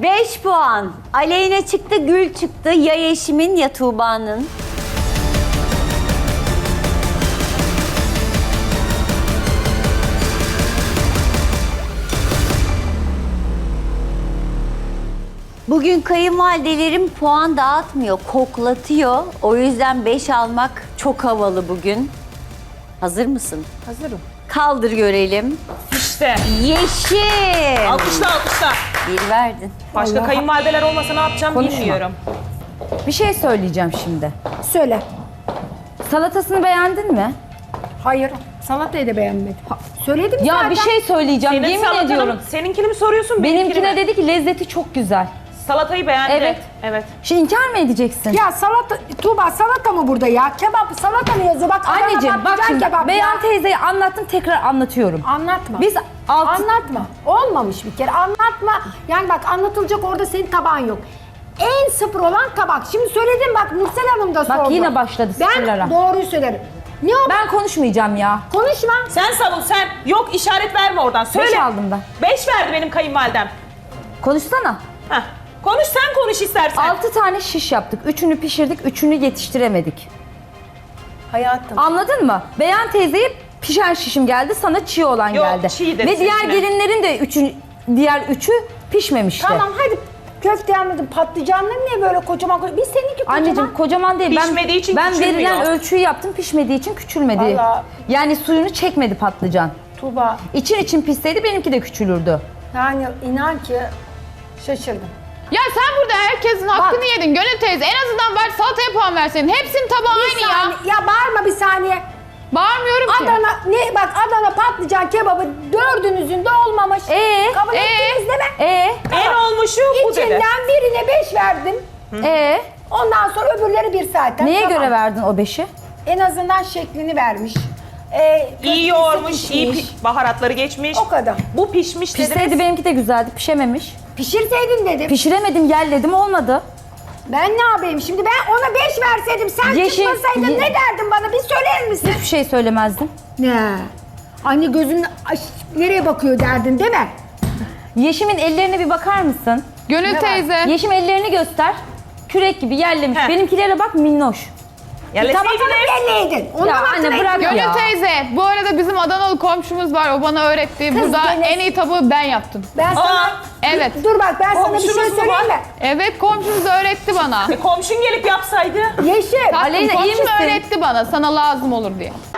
5 puan. Aleyna çıktı, Gül çıktı. Ya Yeşim'in ya Tuğba'nın. Bugün kayınvalidelerim puan dağıtmıyor, koklatıyor. O yüzden 5 almak çok havalı bugün. Hazır mısın? Hazırım. Kaldır görelim. İşte. Yeşim. Alkışla alkışla. Bir verdin. Başka kayınvalideler olmasa ne yapacağım Konuşma. bilmiyorum. Bir şey söyleyeceğim şimdi. Söyle. Salatasını beğendin mi? Hayır. Salatayı da beğenmedim. Söyledim Ya zaten. bir şey söyleyeceğim. Senin Yemin salatanın, ediyorum. seninkini mi soruyorsun? Benimkine mi? dedi ki lezzeti çok güzel. Salatayı beğendi. Evet. Evet. Şimdi inkar mı edeceksin? Ya salata, Tuğba salata mı burada ya? Kebap, salata mı yazıyor? Bak Adana Anneciğim bak patlıcan şimdi kebap Beyan ya. teyzeye anlattım, tekrar anlatıyorum. Anlatma. Biz Anlatma. Olmamış bir kere. Anlatma. Yani bak anlatılacak orada senin tabağın yok. En sıfır olan tabak. Şimdi söyledim bak Nursel Hanım da sordu. yine başladı sıfırlara. Ben doğruyu söylerim. Ne o? Ben konuşmayacağım ya. Konuşma. Sen savun sen. Yok işaret verme oradan. Söyle. 5 aldım ben. 5 verdi benim kayınvalidem. Konuşsana. Heh. Konuş sen konuş istersen. 6 tane şiş yaptık. 3'ünü pişirdik, 3'ünü yetiştiremedik. Hayatım. Anladın mı? Beyan teyzeye pişen şişim geldi, sana çiğ olan Yok, geldi. çiğ dedi Ve diğer sesine. gelinlerin de diğer üçü pişmemişti. Tamam hadi köfte anladım. Patlıcanları niye böyle kocaman? Biz seninki kocaman. Anneciğim kocaman değil. Pişmediği için ben küçülmüyor. verilen ölçüyü yaptım, pişmediği için küçülmedi. Vallahi. Yani suyunu çekmedi patlıcan. Tuğba İçin pişseydi benimki de küçülürdü. yani inan ki şaşırdım. Ya sen burada herkesin hakkını yedin Gönül teyze. En azından bari salataya puan verseydin. Hepsinin tabağı Bir aynı ya. saniye. Ya bağırma bir saniye. Bağırmıyorum ki. Adana patlıcan kebabı dördünüzün de olmamış. Kabul ettiniz değil mi? En olmuşu bu dedi. İçinden birine 5 verdim. Ondan sonra öbürleri bir zaten. Neye Tamam. göre verdin o 5'i? En azından şeklini vermiş. İyi köftesi yoğurmuş, iyi pişmiş. baharatları geçmiş. O kadar. Bu pişmiş Pişseydi dediniz. benimki de güzeldi, pişememiş. Pişirseydin dedim. Pişiremedim, yerledim, olmadı. Ben ne yapayım şimdi? Ben ona 5 verseydim sen Yeşil- çıkmasaydın ne derdin bana? Bir söyler misin? Hiçbir şey söylemezdim. Ne? Anne gözün nereye bakıyor derdin değil mi? Yeşim'in ellerine bir bakar mısın? Gönül var? teyze. Yeşim ellerini göster. Kürek gibi yerlemiş. Heh. Benimkilere bak, minnoş. Tabakını Yerleseydiniz. belleydin. Ondan Ya anne hatırlayın. bırak Gönül ya. teyze. Bu arada bizim Adanalı komşumuz var. O bana öğretti. Kız Burada beni- en iyi tabağı ben yaptım. Ben sana... Aa, evet. Dur bak ben sana bir Komşumuz şey mu söyleyeyim var? mi? Evet komşumuz öğretti bana. Komşun gelip yapsaydı. Yeşil. Tatlım, Aleyna, iyi komşum misin? öğretti bana sana lazım olur diye.